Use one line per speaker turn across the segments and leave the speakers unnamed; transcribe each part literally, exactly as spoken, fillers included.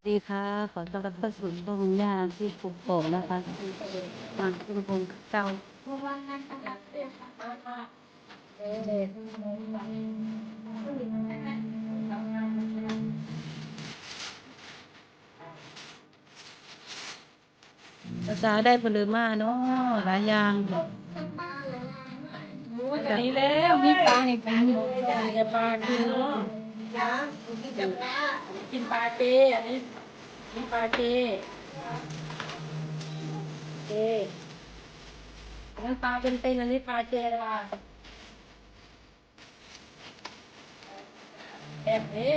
ดีค่ะขอต้อนรับเข้าสู่ช่องย่าที่ปลูกโป่งนะคะมาคุณพงเจ้าภาษาได้ผลมาเนาะหลายอย่างนี่แล้วมีปลาในปลาอยู่จะปลาคือเนาะกินปลาเจอันนี้กินปลาเจเจนั่นปลาเป็นเป็นอันนี้ปลาเจละแบบนี้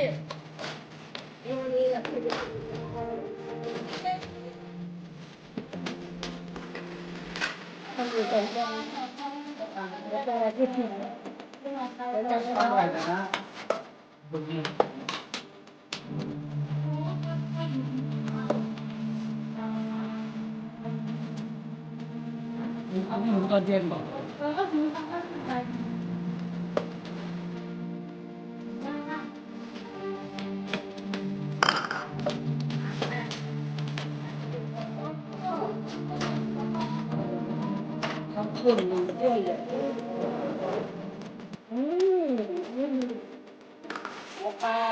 ต้องอยู่ตรงกลางแล้วก็ที่ถิ่นแล้วจะทำอะไรนะเอาหมูตอนเย็นบอกเขาขุ่นเยอะเลยอืมอืมหัวปลา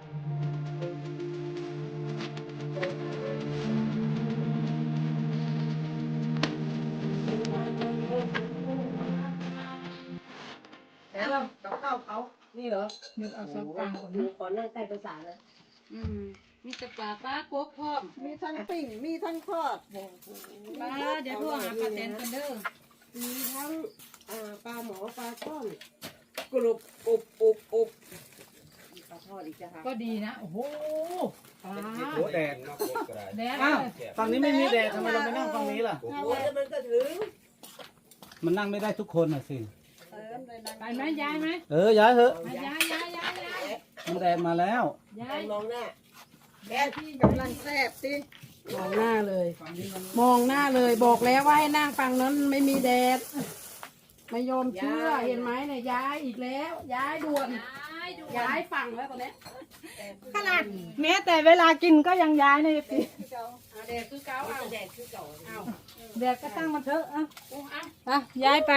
แล้วกับข้าวเขานี่เหรอนึกเอาซอสกลางก่อนขอนั่งใต้ภาษาเลยอืมมีแต่ปลาปลาโก๊กพร้อม
มีทั้งปิ่งมีทั้งทอด
ปลาเดี๋ยวโทรหาปลาแตนกันเด้อ
มีทั้งอ่าปลาหมอปลาช่อนกรุบอบอบอบมีปลาทอดอีกจ้ะค่ะ
ก็ดีนะโอ้โหปลา
โอ้แดด
แดด
อ้าวฝั่งนี้ไม่มีแดดทำไมเราไม่นั่งฝั่งนี้ล่ะ
โอ้ยมันก็ถึง
มันนั่งไม่ได้ทุกคนน่ะสิ
เติมเลยนะ
ไปไหมย้ายไหม
เออย้ายเถอะ
ไปย้ายย้ายย้ายย้าย
มันแดดมาแล้ว
ย้าย
มองหน้าแกที่กำลังแซ่บสิมองหน้าเลย มองหน้าเลยบอกแล้วว่าให้นั่งฝั่งนั้นไม่มีแดดไม่ยอมเชื่อเห็นไหมเนี่ยย้ายอีกแล้ว ย้ายด่วน
ย้ายดู
ย้ายฝั่งแล้วตอนนี้
ขนาดแม้แต่เวลากินก็ยังย้ายในปี
เอาแดดคือเก่าเอาแดดคือเก่าเอา
แดดก็ตั้งมันเถอะอ่ะ
โอ้เอา
อ่ะย้ายไป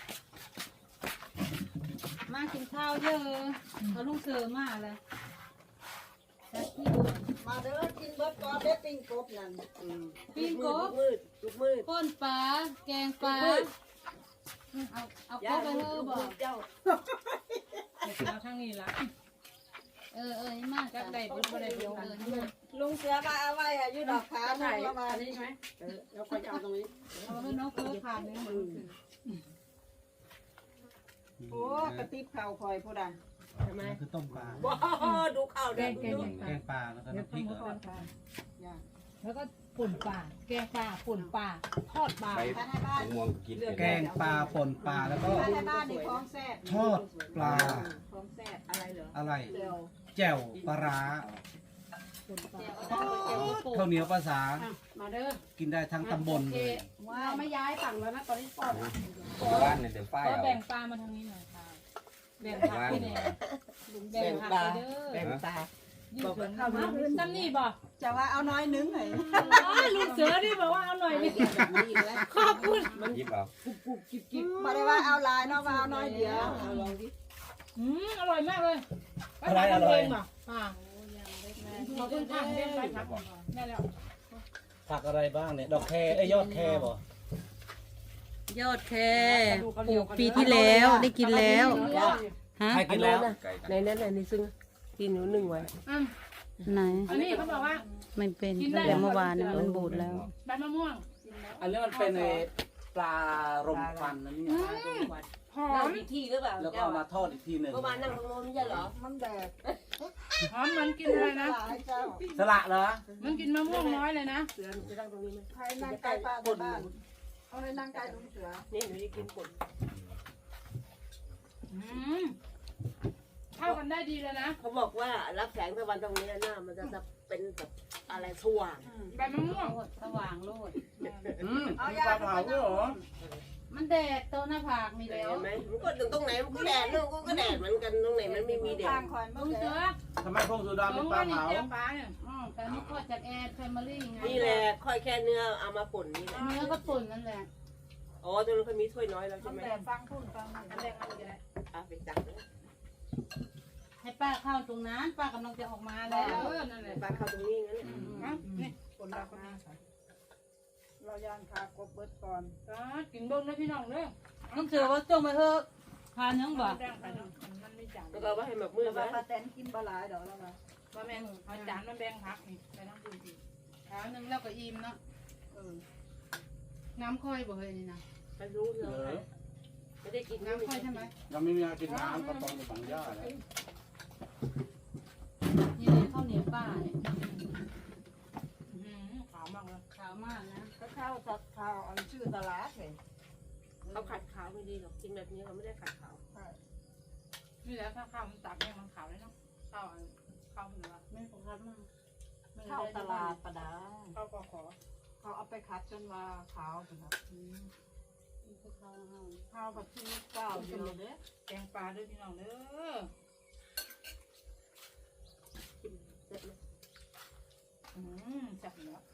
มากินข้าวเยอะเขาลุงเสือมาเลย
มาเด้อกินเบิร์ดก่อนเด้อปิ้งกบนั่น
ปิ้งกบ
มืดลูกมืด
ก้นปลาแกงปลาเอาเอากบไปเถอะบอก
เจ้า
เอาทางนี้ละเออเออนี่มากจักได้บุญบ่ได้บุญเออนี่มา
ลุงเสือมาเอาไว้อะยืดดอกขาหน่อยมาอันนี้ใช่ไหมเออแล้วก็จะเอาตรงนี้
เอาให้น้องเพื่อผ่านเลย
โอ้กระติบข่าวคอยพูดอ่ะใช่ไหม
คือต้มปลา
ว้าดูข่าวเด็กดู
แกงปลาแล้วก็น้ำพริกเหรอ
แล้วก็ป่นปลาแกงปลาป่นปลาทอดปลา
แกงปลาป่นปลาแล้วก็
บ้านในบ้านนี่คล้องแซ่บ
ทอดปลา
คล้องแซ่บอะไรเหรอ
อะไร
เดียว
แจ่วปลาร้าข้าวเหนียวภาษา
มาเด้อ
กินได้ทั้งตำบลเลย
ว้าวไม่ย้ายฝั่งแล้วนะตอนนี้ปอด
บ้านเนี่ยเดี๋ยวป้าย
ก็
เอา
แบ่งปลามาทางนี้หน่อยค่ะแบ่งผักพี่แน่แบ่งผักไปเด้อ
แบ่งตา
บอกว่าข้าวมาซ้ำนี่บ่
จะว่าเอาน้อยนึงไหน
ลุงเสือนี่บอกว่าเอาหน่อยนี่ขอบคุณ
ยิบเอา
มาได้ว่าเอาลายเนาะว่าเอาน้อยเดียวลองดิ
อืมอร่อยมากเลย
อะไรอร่อย
อ่าขอบคุณค่ะเล่นไปผักได้แล้ว
ผักอะไรบ้างเนี่ยดอกแคเอ้ยยอดแคบ่
ยอดแคปลูกปีที่แล้วได้กินแล้วฮะ
ใครกินแล้ว
ในนั้นในซึ่งกินอยู่หนึ่งไว้
อืม
ไหน
อันนี้เขาบอกว่า
ไม่เป็นตั้งแต่เมื่อวานมันบูดแล้ว
ใบมะม่วง
อันนี้มันเป็นในปลารมควันนะเนี่ย
หอ
นั่ง
ม
อีกที่หรือเปล่า
แล้วก็เอามาทอดอีกทีหนึ่ง
เมื่อวานนั่งตรงโน้นไม่ใช่เหรอมันแดด
หอมเหมือนกินอะไรนะ
สละเหรอ
มันกินมะม่วงน้อยเลยนะ
เสือจะนั่งตรงนี้ไหมใครนั่งใกล้ป้าในบ้านเอาในนั่งใกล้ตรงเสือนี่หนูจะกินผล
อืมเข้ากันได้ดีเลยนะ
เขาบอกว่ารับแสงตะวันตรงนี้หน้ามันจะเป็นแบบอะไรสว่าง
ใบมะม่วง
สว่างโลด
อืมมีปลาเผาด้วยเหรอ
มันแดดตัวหน้าผากมีแล้ว
เห็นไหมมันก็ตรงไหนมันก็แดดนู่นก็แดดเหมือนกันตรงไหนมันไม่มีแดด
ลุงเสือ
ทำไมพวกสุดา
ลุ
เป็น
ง
ปลา
ว่านี่
เผา
เจียวปลาเนี่ย
อ๋อแต่นี่ก็จะมอรี่ไง
นี่แหละค่อยแค่เนื้อเอามาป่นนี่แหละ
เนื้อก็ป่นนั่นแหละ
อ๋อตรงนั้นเขามีถ้วยน้อยแล้วใช่ไหม
แต่ฟังพูดฟังอันแรกมันจะได้
อ่ะไปจับนะ
ให้ป้าเข้าตรงนั้นป้ากำลังจะออกมาแล้วนั่นแหละ
ปลาเข้าตรงนี้งั้น
นี่คนเราคนนี้
เราย่างคากบเบิดก่อน
ก็กินเบิ้งนะพี่น้องเด้อน้องเสือว่าจงไปเถอะทานยังบ่
มันไม่จาน
แล้วก็ว่าให้แบบมืด
แต่ว่า
นะ
ป้าแตนกินปลาหลายดอกแล้วนะ
ว่าแม่เอาจานมาแบ่งพักนี่ไปนั่งดูดีทานนึงแล้วก็อิ่มเนาะเออน้ำค่อยบ่เฮ้ยนี่นะ
ไปรู้เรื่องอะไรไม่ได้กิน
น้ำค่อยใช่ไหม
ยังไม่มีอากินน้ำก็ต้องไปฝังหญ้าแล้ว
นี่เลยข้าวเหนียวป้าเนี่ยขาวมากเลยขาวมากนะ
ก็ข้าวสักข้าวอันชื่อตลาดเห็น
เขาขัดขาวไม่ดีหรอกกินแบบนี้เขาไม่ได้ขัดขาว
นี่แหละถ้าข้าวมันตักเนี่ยมันขาวเลยเนาะข้าวข้าวเหนือไม่ปกติมาก
ข้าวตลาดปลาดา
ข้าวกอขอ
เขาเอาไปคัดจนว่าขาวถึงครับ
นี่คือข้าวข้าว
ข้าวแบบที่เก้าอยู่เลยเด้
แกงปลาด้วยพี่น้องเด้อ
เสร็จไหม
อืมจับเนาะ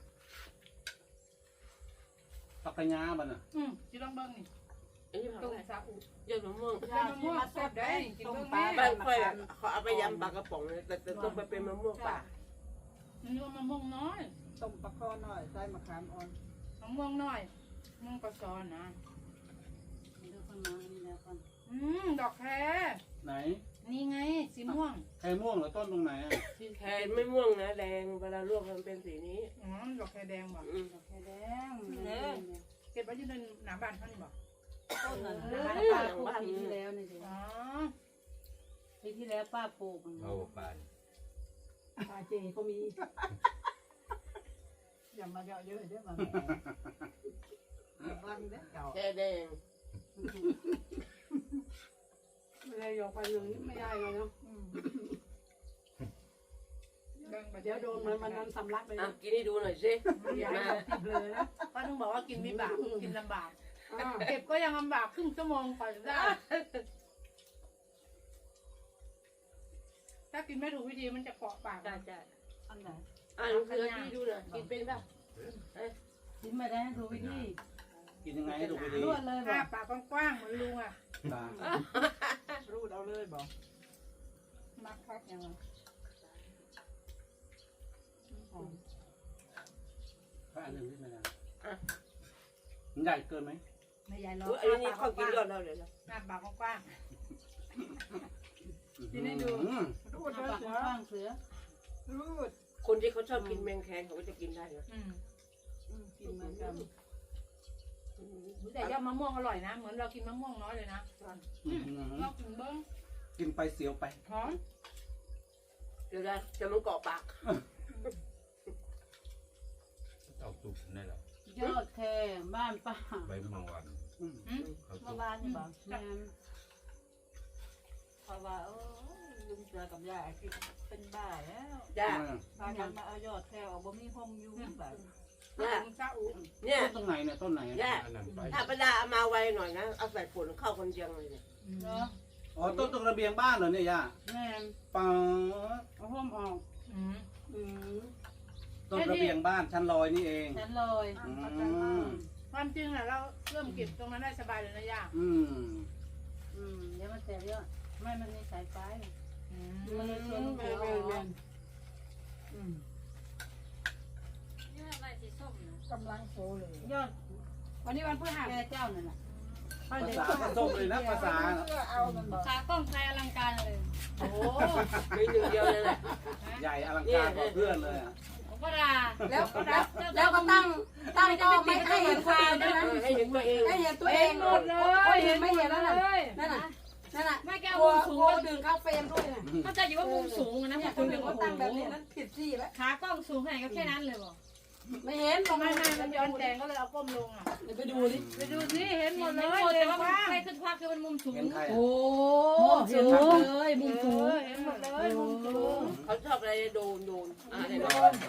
ปักกะยาบันอ่ะ
อืมจีลองเบิ้งนี่
อันนี้ผัก
ต้ม
อะไร
ซาอุ
ยอดมะม่วง
ยำมะม่วงแซ่บได้กินเบิ้งแม่
บ้านค่อยอะเขาเอาไปยำปลากระป๋องเลยแต่แต่ต้องไปเป็นมะม่วงป่า
นี่ว่ามะม่วงน้อย
ต้มปลาข้อหน่อยใส่มะขามอ่อน
มะม่วงน้อยมะม่วงกระซอนนะเดี๋ยวคนมาอันนี้แล้วก่อนอืมดอกแคร
ไหน
นี่ไงสีม่วง
ไข่ม่วงเหรอต้นตรงไหนอ่ะ
แทนไม่ม่วงนะแดงเวลาลวกมันเป็นสีนี้
อ๋อดอกแครแดงบ่
อืม
ดอกแครแดงเก็บไว้ที่ในหน้าบ้านเขานี่บ่
ต้นนั้น
เออ
ป้าปลูกปีที่แล้วนี่สิ
อ๋อปีที่แล้วป้าปลูก
เอาไป
ปลาเจก็มีอย่ามาเยอะเยอะเด้อมาบ้านเด้อเก่า
แค่แดง
ไม่ได้ยกไปเลยไม่ได้เลยเนาะ
เดี๋ยวโดนมันมัน
สำลักไป
อ่ะ
นะ
กินให้ดูหน่อยสิ
อย่า
มา
ติดเลยนะ
ป้าต้องบอกว่ากินไม่บากกินลำบาก เก็บก็ยังลำบากครึ่งชั่วโมงกว่าจะได้ ถ้ากินไม่ถูกวิธีมันจะเกาะปาก
จ้าจ้า
อันไหน
อ่ะลองคือพี่ดูหน่อยกินเป็นป่ะ
กินไม่ได้ถูกวิธี
กินยังไงให้ดูไปดี
รวดเลยบ
อ้า
อก
ปากกว้างๆเหมือนลุงอ่ะ
ตา
รูดเอาเลยบอกมักคักยังไง
ถ้าอันหนึ่งที่ไม่ได้มันใหญ่เกินไหม
ไม่ใหญ่หรอก
อุ๊ยอันนี้เขากินก่อนเราเดี๋ยวนะ
หน้าปากกว้าง
กินให้ดู
รูด
ๆห
เล
น้าย ปาก
เสื
ก
อ
ว้างๆเสือ
รูด
คนที่เขาชอบกินแมงแคงเขาก็จะกินได้นะ
อืม
กินเหมือนกัน
แต่ยอดมะม่วงอร่อยนะ เหมือนเรากินมะม่วงน้อยเลยนะเรากินเบิ้ง
กินไปเสียวไป
หอม
เดี๋ยวนะจะมันเกาะปาก
เอาสุกนี่แหละ
ยอดแคบ้านป้า
ใบมะวัน
อืม
เอาสุ
เมื่อก วานนี่บอก
แม่น
เพราะว่าเออลุงเสือกับยายกินเป็นบ้าแล้ว
จ้า
พากันมาเอายอดแถวบ่มีห้องอยู่แบบ
จ้า
ซาอุ
เนี่ย
ต้นตรงไหนเนี่ยต้นไหน
จ้า
อันนั้นไป
ถ้าประดาเอามาไวหน่อยนะเอาใส่ผลเข้าคนเชียงเลยเนี่ย
เนาะ
อ๋อต้นตรงระเบียงบ้านเหรอเนี่ยย่า
แม่น
ปัง
เอาห้อมออก
อืม
อืม
ต้นระเบียงบ้านชั้นลอยนี่เอง
ฉันเลย
อืม
ความจริงแหละเราเริ่มเก็บตรงนั้นได้สบายเลยนะย่า
อืม
อืมเดี๋ยวมันแตกเยอะไม่มันมีสายไฟอืม
มันเลยชวนแม่แม่แม่อืม
นี่อะไรสีส้มนะ
กำลังโซเลย
ยอด
วันนี้วันพฤหัส
แม่เจ้านั่นน่ะ
ภาษาผสมเลยนะภาษา
เพื่อเอามันบอก
ขากล้องไทยอลังการเลย โอ้โห
มีหนึ่งเดียวเลยแหละ
ใหญ่อลังการกว่าเพื่อนเลยอะ
ผมก็ดา
แล้วแล้วแล้วก็ตั้งตั้งก็ไม่ให้เห็นคนอื่นด้วยนะ
เออให้เห็นตัวเอง
ให้เห็นตัวเอง
หมดเลย
เห็นไม่เห็นแล้วน่ะ
เลย
นั่นน่ะนั่นน่ะ
ไม่แก้
ก
ว
ลัว
มุมสูง
กลัวดึงเข้าเฟรมด้วยน่ะ
เข้าใจอยู่ว่ามุมสูงนะ
เนี่ย
คุ
คน
ณ
อื่นเขาตั้งแบบนี้นั้นผิดที่แล้ว
ขากล้องสูงขนาดก็แค่นั้นเลยบอก
ไม่เห็นบอก
ไม่
ไม่
ไม่
ไม่
มันย้อนแสงก็เลยเอาก้มลงอ่ะ
เดี๋ยวไปดูดิ
ไปดูสิเห็นหมดเลยแต่ว่ามันใครขึ้นควักคือมันมุมสูง
เห็นใคร
โอ้
อะ
เห็นชัดเลยมุมสูง
เห็นหมดเลยมุมสูง
เขาชอบอะไรโดนโดนอ่าเนี่ย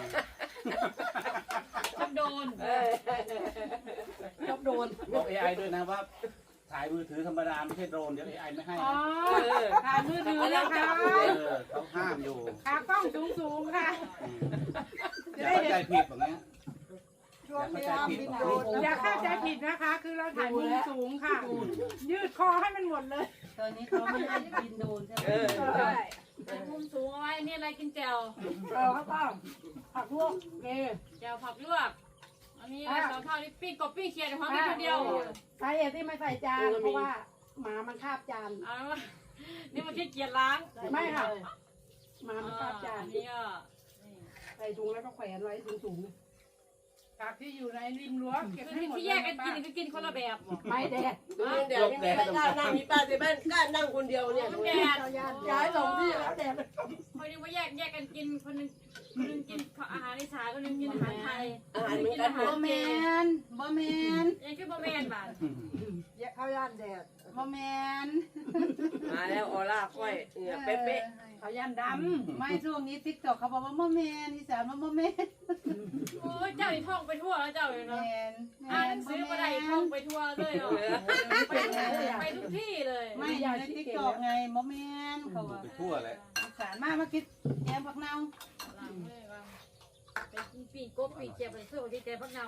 ชอบโดน
เออ
ชอบโดน
บอก เอ ไอ ด้วยนะว่า ถ่ายมือถือธรรมดาไม่ใช่โดรนเดี๋ยว เอ ไอ ไม่ให้
อ๋อ
นะ
ขามือถือแล้วค่ะ
เออเขาห้ามอยู่
ขากล้องสูงสูงค่ะ
อืม
เดี๋ยว
เข้าใจผิดแบบนี้
ช่วงนี้บินโดน
อย่าเข้าใจผิดนะคะ คือเราถ่ายมุมสูงค่ะ ยืดคอให้มันหมดเลย
ตอนนี้เขาไม่ให้บินโดนใช่ไหม
เออใช่
แต่มุมสูงเอาไว้นี่อะไรกินแจ่ว
เออข้าวต้มผักลวกเก
แจ่วผักลวกอันนี้อะไรสองข้าวนี่ปิ้งกบปิ้งเขียดในห้องนี้คนเดียว
สาเหตุที่ไม่ใส่จานเพราะว่าหมามันคาบจาน
เอาละนี่มันขี้เกียจล้าง
ไม่ค่ะหมามันคาบจาน
อันนี้ก็
ใส่ถุงแล้วก็แขวนไว้สูงๆ
ผักที่อยู่ในริมรั้วเก็บ
คือ
ให้หมด
ที่แยกกันกินคือกินคนละแบบบอก
ไม่แดด
ดูนี่เดี๋ยวนี่ไม่กล้านั่งมีป้าที่บ้านกล้านั่งคนเดียวเนี่ย
มันแดด
ย้ายสองที่แล้วแดด
คนนึงว่าแยกแยกกันกินคนนึงคนนึงกินอาหารอีสานคนนึงกินอาหารไทย
อาหารเหมือนกันหม
บ่
ด
แมนบ่แมน
ยังคือบ่แม่นบาด
เข้าย่านแดด
บ่แมน
มาแล้วออร่าค่อยเนี่ยเป๊ะ
เขายันดำไม่ช่วงนี้ติ๊กต็อกเขาบอกว่าบ่แมนอีสานว่าบ่แมน
โอ้ยเจ้าอีท่องไปทั่วแล้วเจ้าอยู่
แม
เนาะ
น
อ่านหนังสือมาได้ท่องไปทั่วเลยเนาะไปไปทุกที่เลย
ไม่อยู่ในติ๊กต็อกไงบ่แมนเขาว่า
ไปทั่วเลย
อีสานมามาคิดแกงผักเน่า
ล้างมือก่อนไปปีกกบปีกเจี๊ยบไปเสื้อที่แกพักเงา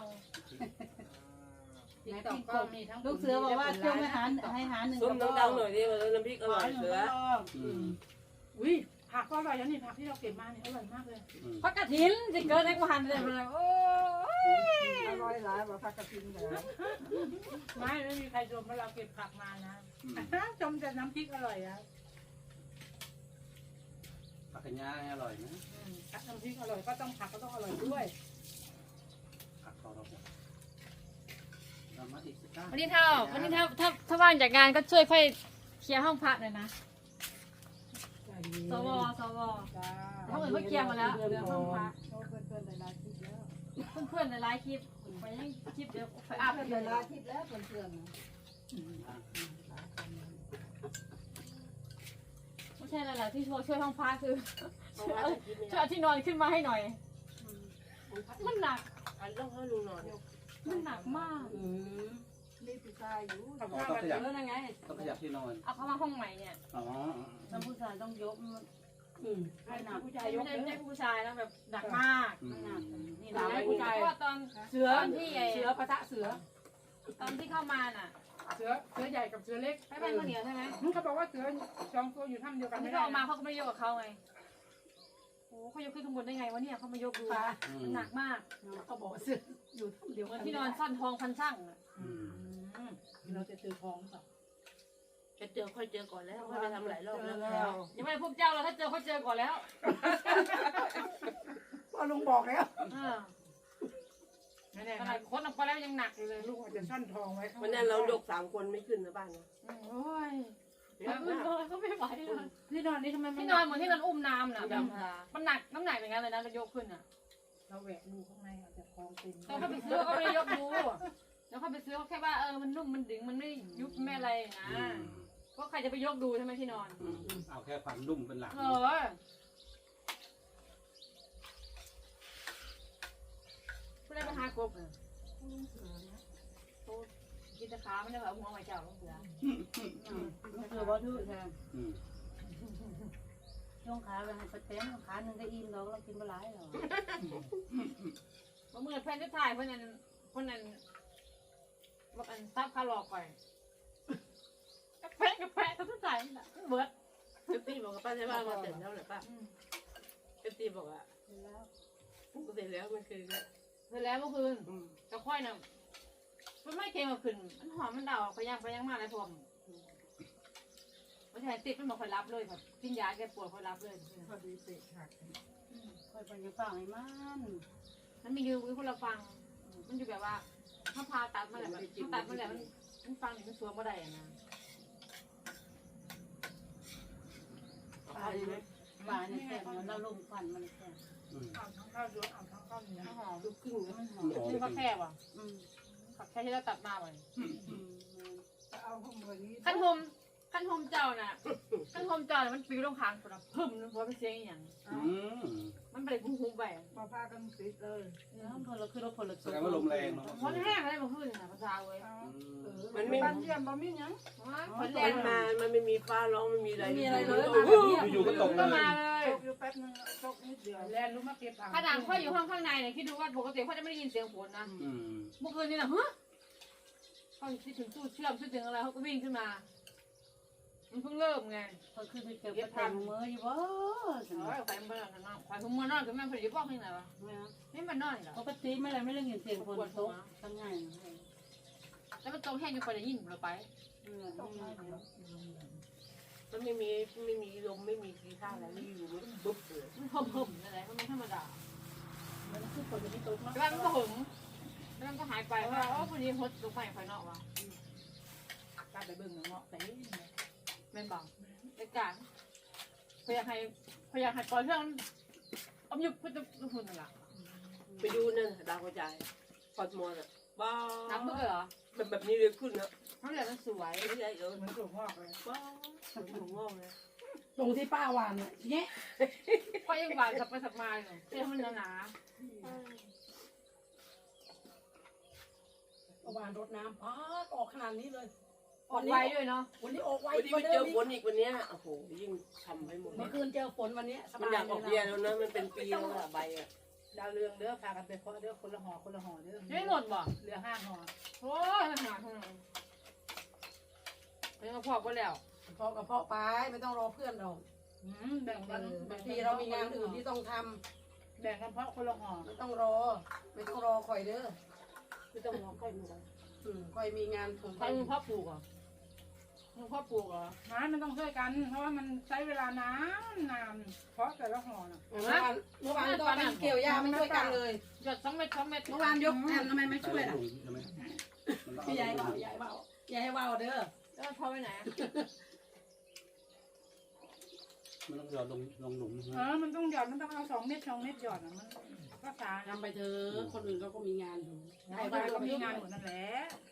ในติ๊กต็อกนี่ทั้งลูกเสือบอกว่าช่วงให้หาให้หาหนึ่ง
ๆส้มดังๆหน่อยดิว่าน้ำพริกอร่อยเสือ
อุ้ยผักก็อร่อยแล้วนี่ผักที่เราเก็บมาเนี่ยอร่อยมากเลย
พักกระถินจะเกิดในกูหันเลยมันโอ้ย
อร่อยหลายบ่พักกระทิงเหรอ
ไม่ไม่มีใครชมว่าเราเก็บผักมานะชมแต่น้ำพริกอร่อยอ่ะ
ผักกระยาอร่อยนะ
น้ำพริกอร่อยก็ต้องผักก็ต้องอร่อยด้วย
ผักเขาเราเรามาอีกสักก้า
วันนี้เท่าวันนี้ถ้าถ้าถ้าว่างจากงานก็ช่วยค่อยเคลียร์ห้องพักหน่อยนะสวสวห้องอื่นก็เคลียร์หมดแล้วเหลือห้องพัก
เพื่อนเพื่อนหลายๆคลิปแล้ว
เพื่อนๆในไลฟ์คลิปไปยังคลิปเดี๋ยวไปอัพ
เพื่อน
เลย
หลายๆคลิปแล้วเพื่อนเพื่อน
ไม่ใช่อะไรที่ช่วยช่วยห้องพักคือช่วยช่วยเอาที่นอนขึ้นมาให้หน่อย มันหนัก
อันต้องให้ลุงนอน
มันหนักมาก
นี่ผู้ชายอยู่
ต้องขยับ
แล้วยังไง
ต้องขยับที่นอน
เอาเข้ามาห้องใหม่เนี่ย
อ๋อ
น้ำผู้ชายต้องยก
ให้หนักผู้ชาย
ไม่
ยก
ใช่ไม่
เล
ใช่
ย
ผู้ชายนะแบบหนักมาก
อืม
นี่หนักผู้ชายเพราะว่าตอน
เสือ
ตอนที่ไอ้
เสือปะทะเสือ
ตอนที่เข้ามาน่ะ
เสือเสือใหญ่กับเสือเล็ก
ไม่เป็นข้าวเหนียวใช่ไหม
เขาบอกว่าเสือสองตัวอยู่ถ้ำเดียว
ต
กั
อน น
ไม่
ที่
ได้
เขาออกมาเขาก็ไม่ได้ยกกับเขาไงโอ้เขายกขึ้นข้างบนได้ไงวะเนี่ยเขามายกดู
ปลา
มันหนักมาก
เขาบอกเสืออยู่เดี๋ยว
เหมือนที่นอนซ่อนทองพันช่างอะ
อืม
เราจะเจอทองต่อ
จะเจอค่อยเจอก่อนแล้วค่อยไปทำหลายรอบแล้ว
ยังไม่ได้พบเจ้าเราถ้าเจอเขาเจอก่อนแล้ว
พ่อลุงบอกแล้ว
เออ
ไม่แน่
ข
นะ
นาดค้นออกไปแล้วยังหนักอยู่เลย
ลูกอาจจะซ่อนทองไว้
วันนั้นเราดกสามคนไม่ขึ้นนะบ้านนะ
โอ้ยเขาไม่เขาไม่ไหวเลย
ที่นอนนี่ทำไมมัน
ที่นอนเหมือนที่นอนอุ้มน้ำน่ะแบบมันหนักน้ำหนักอย่างนั้นเลยนะเรายกขึ้นอ่ะ
เราแหวกดูข้างในอาจจะทองเต็ม
ตอนเขาไปซื้อเขาไม่ได้ยกดูแล้วเขาไปซื้อเขาแค่ว่าเออมันนุ่มมันดึงมันไม่ยุบไม่อะไรนะ
อืม
เพราะใครจะไปยกดูใช่ไหมที่นอน
อืมเอาแค่ความนุ่มเป็นหลัก
เออผู้ได้ไปหากบอ่ะกินตะขาไม่ได้แบบหัวไหวเจ้าลูกเสือ
เสือบ่ดื้อแทน
อืม
ช่วงขาไปให้เต็มขาหนึ่งก็อิ่มเราเรากินปลาไหลหรอ
เมื่อแฟนจะถ่ายเพื่อนนั้นเพื่อนนั้นบอกอันซับคาร์ลอกไปกาแฟกาแฟเขาจะถ่ายนี่แหละเบิร์ด
เอฟตีบอกกับป้าใช่ป่ะมาเสร็จแล้วเหรอป้าเอฟตีบอกว่าปกติแล้วมันคือ
เสร็จแล้วเมื่อคืน
อืม
จะค่อยน่ะมันไม่เค็มมาขึ้นมันหอมมันเดาไปย่างไปย่างมาอะไรพวกไม่ใช่ติดมันบอกคอยรับเลยแบบกินยาแก้ปวดคอยรับเลย
พอดีเตะหัก
คอยไปยังฟังให้มัน
มันมีอยู่วิคนละฟัง มันอยู่แบบว่าถ้าพาตัดมาแหละแบบถ้าตัดมาแหละมันมันฟังนี่มันสวมบ่ได้อะนะ
เอาไปไหม
ปลาเนี่ยแซ่บเราลงควันมันแซ่บ
อืม
เอาทั้งข้าวเยอะเอาทั้งข้าวเหนียว
มันหอม
ลูกครึ่งนะ
มันหอม
ชื่อเขาแค่ว่ะ
อืม
ผักแค่ที่เราตัดมาไว้
อืม
จะเอาห้องวันนี้
ขั้นโฮมขั้นโฮมเจ้าน่ะขั้นโฮมเจ้าน่ะมันปิวลงคางคนละพึ่มนึกว่าเป็นเสียงอหย่าง
อืม
มันเป็นคุ้มๆไป
มาพากันติดเลย
แล้วคนละคือรถคนละ
แสดงว่าลมแรงเนาะ
มันแห้งอะไรมาขึ้นนะภาษาเว้ย
มันไม่
บ้านเยี่ยมบ่มีหยัง
มันแร
มั
ง
นมามันไม่มีฟ้าร้องไม่มีอะไร
ไม่มีอะไรเลย
อยู่ๆก็ตกเล
ก็
ย
มาเลย
ตกอยู่แป๊บนึงตกนิดเดียว
แลนรู้มาเก็บอ่าง
ขนาดเขาอยู่ห้องข้างในเนี่ยคิดดูว่าปกติเขาจะไม่ได้ยินเสียงฝนนะ
อืม
เมื่อคืนนี่นะฮะเขาคิดถึงตู้เชื่อมคิดถึงอะไรเขาก็วิ่งขึ้นมา มันเพิ่งเริ่มไง
เขาคือไปเจอประแตงมืออยู่บ่
เอ้ยไฟมันนอนนอนไฟทุ่มมันนอนกับแม่พอดีบอกให้ไหนวะนี่มันนอนเหรอ
ปกติไม่อะไรไม่ได้ยินเสียงคนตกทั้งง่าย
แล้วมันตรงแห้งยังพอได้ยินเราไป
มันไม่มีไม่มีลมไม่มีทีท่าอะไรไม่อยู่มันบุ๊บเลย
มันเพิ่มๆอะไรมันไม่ธรรมดา
มันคือคนที่ตกเนาะ
แล้วมันก็หึงแล้วมันก็หายไปว่าอ๋อพอดีฮดลงไปไฟนอกว่ะ
กล้าไปเบิ่งเงาะแต่
แม่นบอกในการพยายามให้พยายามให้ปล่อยเรื่องอมยุบพุทธคุณนั่นแหละ
ไปดูนั่นดาวกระจายพอดมอน่ะบ้า
น้ำเบื่อเหรอ
แบบแบบนี้เลยขึ้นนะ
น้ำเหลืองมันสวย
ไม่ใช่เออ
เหมือนถั่วงอกเลย
บ้าถุงงอกเลย
ตรงที่ป้าวานน่ะเงี้ย
เพราะยังบานสับไปสับมาเลยเสื้อมันหนา
เอาวานรดน้ำอ๋อออกขนาดนี้เลย
ๆออกไวด้วยเนาะ
วันนี้ออกไว
วันนี้
ก
ไป
ว่า
เจ
เดิ
อ
ม
ฝนอีกวันนี้โอ้โหยิ่งทำให้หมด
เมื่อคืนเจอฝนวันนี้ส
มัน
บาย
อยากออกเบียร์แล้วนะมันเป็นปีแล้วอะใบอะ
ดาวเรืองเด้อพากันไปเคาะเด้อคนละห่อคนละห่อเด้อ
ยังไม่หมดบ่
เหลือห้าห่อ
โอ้ยมันหนาเท่านั้นยังมาพอกก็แล้ว
เพาะกับเพาะไปไม่ต้องรอเพื่อนเรา
อืมแบ่งกัน
บางทีเรามีงานอื่นที่ต้องท
แบ่งกันเพาะคนละห่อ
ำไม่ต้องรอ ไม่ต้องรอคอยเด้อ
ไม่ต้องรอค่อยดูกัน
อืมคอยมีงานของ
ใครมึงพ่อปลูกเหรอมึงพ่อปลูกเหรอ
ไม้มันต้องช่วยกัน เพราะว่ามันใช้เวลานานนานเพราะแต่ละห่อน่ะ
เมื่อวานเมื่อวานก็ไปเกี่ยวหญ้าไม่ช่วยกันเลย
หยดสองเม็ดสองเม็ด
เมื่อวานยกแอนทำไมไม่ช่วยล่ะ
ใช่ไหม
พี่ยายเบายายเบายายเบาเด้อ
แล้วมันพอไปไหน
มันต้องหยอดลงลงหลุม
เออมันต้องหยอดมันต้องเอาสองเม็ดสองเม็ดหยอดอ่ะมันก็สา
ทำไปเถอะคนอื่นเขาก็มีงานอยู่
ใครบ้านก็มีงานหมดนั่นแหละ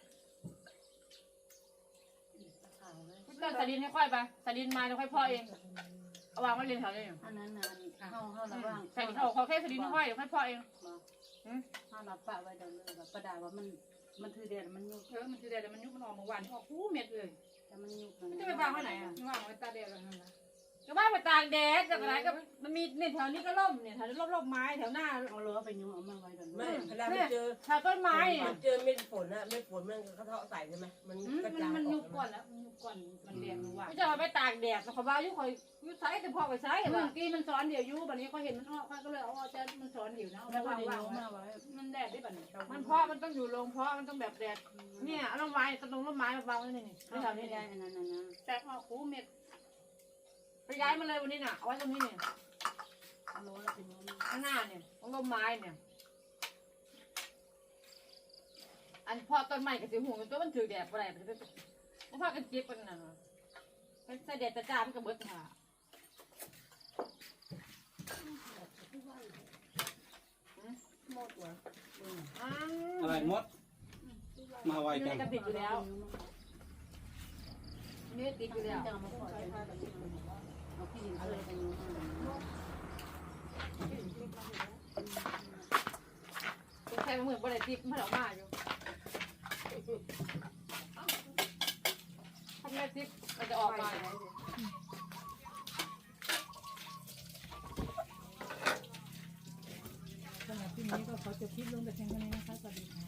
ก็สลินให้ค่อยไปสลินมาแล้วค่อยพ่อเองเอาวางไว้เรียนแถวนี้
อันนั้นน่ะเข้าเข้าระว่าง
ใส่เอาเขาแค่สลินให้ค่อยเดี๋ยวค่อยพ่อเอง
เข้ารับปะไว้เดินเลยแบบประดาว่ามันมันคือเดือนมันยุบ
เออมันจะได้แต่มันยุบมันออกเมื่อวานนี่ออกคู่เม็ดเลย
แต่มันยุบมัน
จะไปวางไว้ไหนอ่ะ
ว่างไว้ตาแดดแล้วนั่นนะ
ก็บ้านไปตากแดดจากไหนก็มันมีเนี่ยแถวนี้ก็ร่มเนี่ยแถวนี้ร่มร่มไม้แถวหน้า
เอาล้อไปยุบเอามาไว้เดิน
ไม่เวลาไปเจอ
แถวต้นไม้เนี่ย
เจอเม็ดฝนอะเม็ดฝนมันกระเทาะใส่ใช่ไหมมัน
อืม
กระ
มัน
จาย
มัน
อ
ยุ
อบ ก
ก่อนแล้วมันยุบก่อนมันแดงเมื่อวาน
ไม่จะเอาไปตากแดดเขาบ้ายุ่คอยยุ่ไซแต่พ่อไปไซเมื่อกี้มันสอนเดี๋ยวยุ่บัดนี้เขาเห็นมันออกก็เลยเอาอาจารย์มันสอนเดี๋ยวนะเอา
แล้วก็
วาง
ได้
วาง
ยุบมาไว้
มันแดดได้บัดนี้มันเพราะมันต้องอยู่โรงเพราะมันต้องแบบแดดเนี่ยเอาต้นไม้ต้นต้นไม้มาวางไว้นี่นี่
ไม่
แถว
ทำ
นี้
ไม่ได้
เนี่ย
อันนั้นนะ
แตกออกหูเม็ดไปย้ายมาเลยวันนี้น่ะเอาไว้ตรงนี้เนี่ย
เอาล้อแล้วไปยุบ
ข้างหน้าเนี่ยของต้นไม้เนี่ยอันพ่อต้นไม้กับสีหูตัวมันถือแดดอะไรมันเพราะพ่อกันเจ็บกันน่ะมันใส่แดดจ้ามันก็เบิดหา
อะไรมด มาไว
นี่
จัง
ก็ติดอยู่แล้วนี่ติดอยู่แล้ว
จะเอามาปล่อยเอาขี้หินเลยไปยุบมา
ใครมาเหมือนบริติดมันออกมาอยู่ทำไมติดมันจะออกมา
สำหรับที่นี้ก็ขอจบคลิปลงแต่เพียงเท่านี้นะคะสวัสดีค่ะ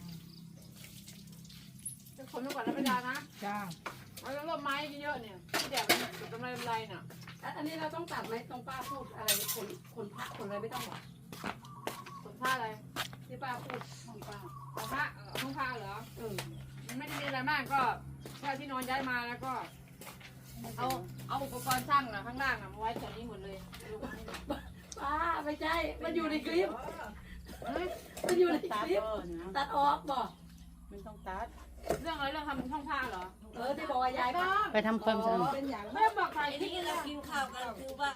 จะคนมาก่อนแล้วไม่ได้นะ
จ้า
เอาแล้วร่มไม้เยอะๆเนี่ยที่แดดมันติดกำไรกำไรน่ะ
อันนี้เราต้องตัดไหมตรงป้าพูดอะไรคนคนพระคนอะไรไม่ต้องหรอก
ขนผ้าอะไร
ที่ป้าพูดของป้า
ของผ้าเออของผ้าเหรอ
เออ
มันไม่ได้มีอะไรมากก็แค่ที่นอนย้ายมาแล้วก็ เอาเอาอุปกรณ์ช่างอะข้างล่างอะมาไว้แถวนี้หมดเลย
ป้าไม่ใช่มันอยู่ในคลิป
เฮ้ย
มันอยู่ในค
ตัด
ลิป
ก็นะ
ตัดออกบอก
มันต้องตัด
เรื่องอะไรเรื่องทำช่องผ้าเหรอ
เออที่บอกว่ายายก็
ไปทำความสะอาด
เป็นอย่าง
ไม่บอกใคร
ไอ้
ที่
ที่เรากินข้าวกันคือว่า